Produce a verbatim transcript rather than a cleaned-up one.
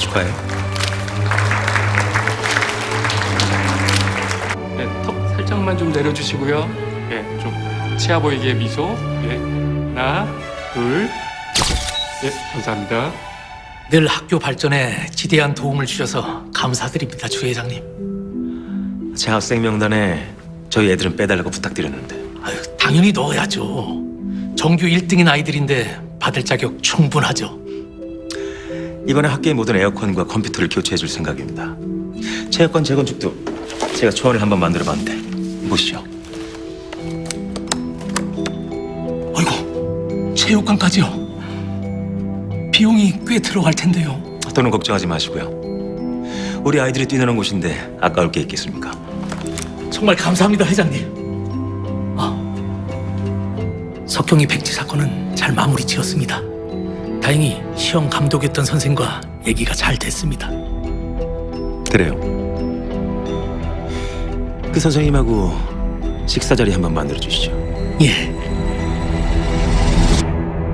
축하해요. 네, 턱 살짝만 좀 내려주시고요. 예, 좀 치아 보이게 미소. 예, 하나, 둘. 예, 감사합니다. 늘 학교 발전에 지대한 도움을 주셔서 감사드립니다, 주 회장님. 제 학생 명단에 저희 애들은 빼달라고 부탁드렸는데 아유, 당연히 넣어야죠. 정규 일 등인 아이들인데 받을 자격 충분하죠. 이번에 학교의 모든 에어컨과 컴퓨터를 교체해 줄 생각입니다. 체육관 재건축도 제가 초안을 한번 만들어 봤는데 보시죠. 어이구, 체육관까지요. 비용이 꽤 들어갈 텐데요. 돈은 걱정하지 마시고요. 우리 아이들이 뛰노는 곳인데 아까울 게 있겠습니까? 정말 감사합니다, 회장님. 아, 석경이 백지 사건은 잘 마무리 지었습니다. 다행히 시험 감독했던 선생과 얘기가 잘 됐습니다. 그래요. 그 선생님하고 식사 자리 한번 만들어 주시죠. 예.